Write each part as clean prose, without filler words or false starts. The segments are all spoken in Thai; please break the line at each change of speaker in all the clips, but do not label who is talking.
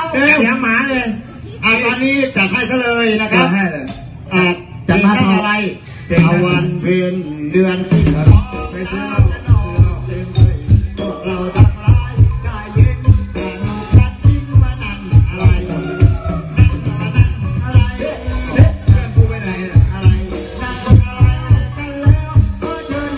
เสียหมาเลย
ตอนนี้จัดให้ซะเลยนะครับ
ให้เลย
จัดมาอะไรเอาวันเพ็ญเดือนสิบไปซื้อพวกเราทั้งหลายได้ยินแต่หนูกัดยิ้มว่านั่นอะไรนั่นอะไร
เพื่อนกูไปไหน
อะไรนั่นอะไรกันแล้วก็เชิญ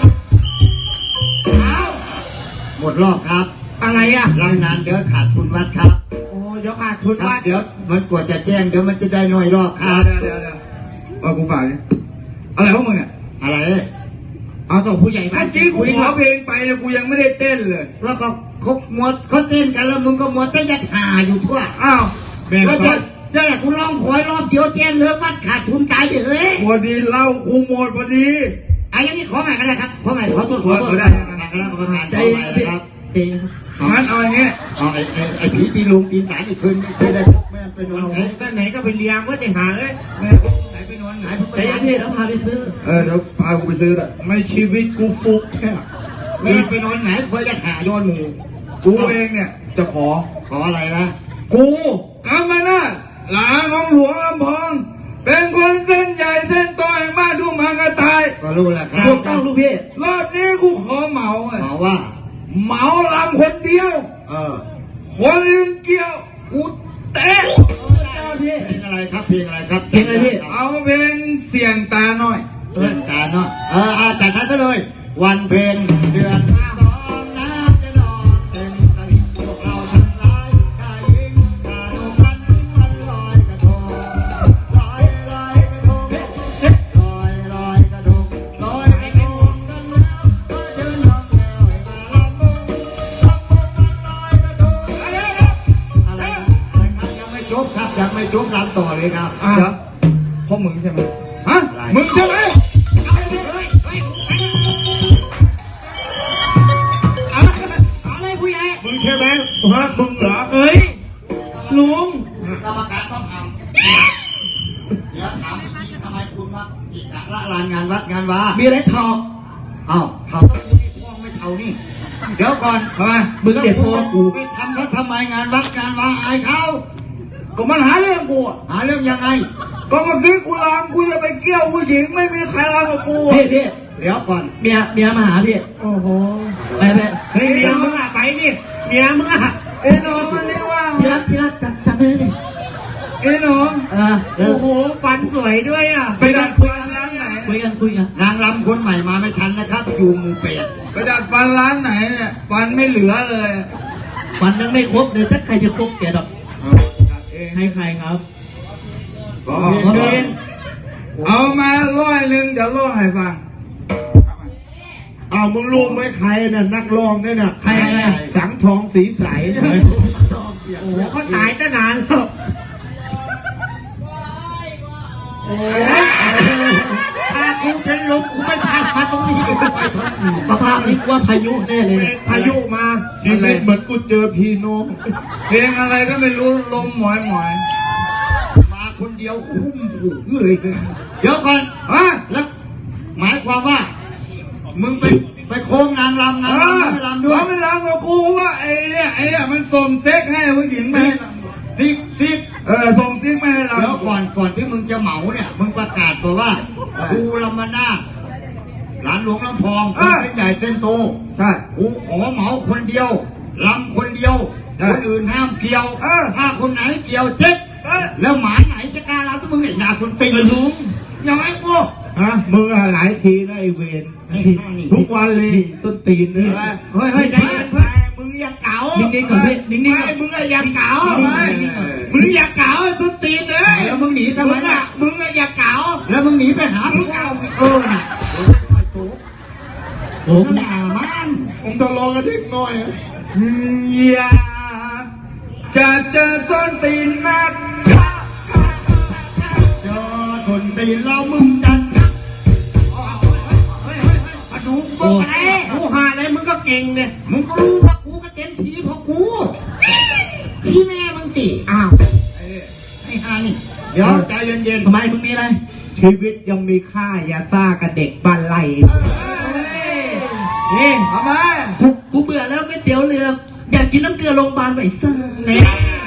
หมดรอบครับ
อะไรอ่ะ
รายงานเดี๋ยวขาดทุนวัดครับ
โอ้เดี๋ยวขาดทุนวัด
เดี๋ยวมันกว่าจะแจ้งเดี๋ยวมันจะได้น้อยรอบครับ
เดี๋ยวเอากูฝากดิอะไรพวกมึงเนี่ย
อะไรเอาส่งผู้ใหญ่บ้าน
เมื่อกี้กูขอเพลงไปนะกูยังไม่ได้เต้นเลย
แล้วก็เขาเต้นกันแล้วมึงก็หมดเต้นยัดหาอยู่ทั่ว
อ้าว
แล้วจะแหละกูร้องขอยรอบเดียวแจ้งเรื่องวัดขาดทุนตายไปเลย
พอดีเล่ากูหมดพอดี
อย่างนี้ขอใหม่ก็ได้ครับขอใหม่ขอตัว
ได้
แล้วก็งานขอใหม่ครับ
งั้นเอาอย่างนี้
ไอ้ผีตีลุงตีสารอีกคืนเคยได้พกแม่ไปนอน
ไหนก็ไปเลี้ยงก็จะหาเลย
แม่ไหนไปนอนไหน
ไปเที่ยวพาไปซื้อ
เดี๋ยวพากูไปซื้อละ
ไม่ชีวิตกูฟุกแค่
ไม่ไปนอนไหนเพื่อจะหาย้อนหมู
กูเองเนี่ยจะขอ
อะไรนะ
กูกำมานาหลานของหลวงลำพองเป็นคนเส้นใหญ่เส้นโตแห่งบ้านทุ่งมากระต่าย
ก็รู้แหละครับ
ถูกต้องลูกพี่
รอบนี้กูขอเหมา
ว่า
เหมาลำคนเดียวคนอื่นเกี่ยวกูเตะ
เพลงอะไรครับเพลงอะไรครับ
เพลงอะไรพี่
เอาเพลงเสียงตาหน่อย
ตาหน่อยจัดให้ซะเลยวันเพ็ญเดือน2น้ำจะนองเต็มตลิ่งพวกเราทั้งหลายได้ยินกาโนกันทิ้งวันลอยกระทงลอยกระทงลอยกระทงลอยกระทงกันแล้วก็เดินลองแก้วให้มาลำบุญวันลอยกระทงอะไรยังไม่จบครับยังไม่จบลำต่อเลยครับ
เดี๋ยวพวกมึงใช่ไหมมึงใช่ไหม
อะไรผู้ใหญ่มึงใช่ไหมฮะมึงเหรอลุง
กรรมการต้องทำเดี๋ยวถามจริงๆทำไมคุณมาอีกละลานงานวัดงานวา
มีอะไรทอง
เท่าแล้วกูนี่พ่วงไม่เท่านี่เดี๋ยวก่อน
ทำไม
มึงเจ็บพ่อกู
ไปทำเขาทำไมงานวัดงานวาอายเขา
ก็มันหาเรื่องกู
หาเรื่องยังไง
ก็เมื่อกี้กูรำกูจะไปเกี่ยวผู้หญิงไม่มีใครรำกับกู
พี่
เดี๋ยวก่อน
เมียมาหาพี่โอ้โหไปเฮ้ยเมียมึงไปนี่เมียมึง
น้องมันเรียกว่า
ที่รักจับเลย
ดิน้อง
โอ้โหฟันสวยด้วย
ไปดัดฟันร้านไหน
คุยกัน
นางรำคนใหม่มาไม่ทันนะครับอยู่หมู่เป็ด
ไปดัดฟันร้านไหนเนี่ยฟันไม่เหลือเลย
ฟันยังไม่ครบเดี๋ยวถ้าใครจะครบแกดอกให้ใครครับ
เอามา100เดี๋ยวร้องให้ฟัง
มึงรู้ไหมใครน่ะนักร้องเนี่ยน่ะใครสังทองสีใสโอ้โหเขาตายตั้งนานแล้ว
ถ้ากูเป็นลมกูไม่พัดมาตรงนี้กูไปทางอื่น
สภาพนี้ว่าพายุแน่เลยพายุมาชีวิตเหมือนกูเจอพี่น้อง
เพลงอะไรก็ไม่รู้ลมหมอย
มาคนเดียวคุ้มฝูงเลยเดี๋ยวก่อนแล้วหมายความว่ามึงไปโค้งนางรำไม่รำด้วย
ไม่รำกับกูว่าไอ้เนี่ยมันส่งเซ็กให้ผู้หญิงไหม
ซิก
ส่งซิกไม่ให้รำ
แล้วก่อนที่มึงจะเหมาเนี่ยมึงประกาศบอกว่ากูรำมาหน้าหลานหลวงลำพองเป็นใหญ่เส้นโต
ใช่
กูขอเหมาคนเดียวรำคนเดียวคนอื่นห้ามเกี่ยวถ้าคนไหนเกี่ยวเจ็บแล้วหมาไหนจะกล้ารำถ้ามึงเห็นหน้าคนตีลุงยังไงกู
มึงหลายทีแล้วไอเวนทุกวันเลยส้นตีนเลยเฮ้ยใจเย็นเพื่อนมึงอย่าเก๋านิ่งๆก่อนพี่นิ่งๆมึงอย่าเก๋ามึงอย่าเก๋าส้นตีนเลย
แล้วมึงหนีทำไม
มึงอย่าเก๋า
แล้วมึงหนีไปหามึงน่ะโอ้หน้ามัน
ผมต้องรอกันนิดหน่อย
อย่าจะเจอส้นตีนนัก
เจอคนตีนเรามึงจัดดูกูอะไร
กูหาอะไรมึงก็เก่งเนี่ย
มึงก็รู้ว่ากูก็เต็มทีเพราะกูพี่แม่มึงตีไอ้ฮานี่เดี๋ยวใจเย็น
ๆทำไมมึงมีอะไรชีวิตยังมีค่าอย่าซ่ากับเด็กบ้านไร่
ทำไม
กูเบื่อแล้วก๋วยเตี๋ยวเรืออยากกินน้ำเกลือโรงพยาบาลไหมซ่า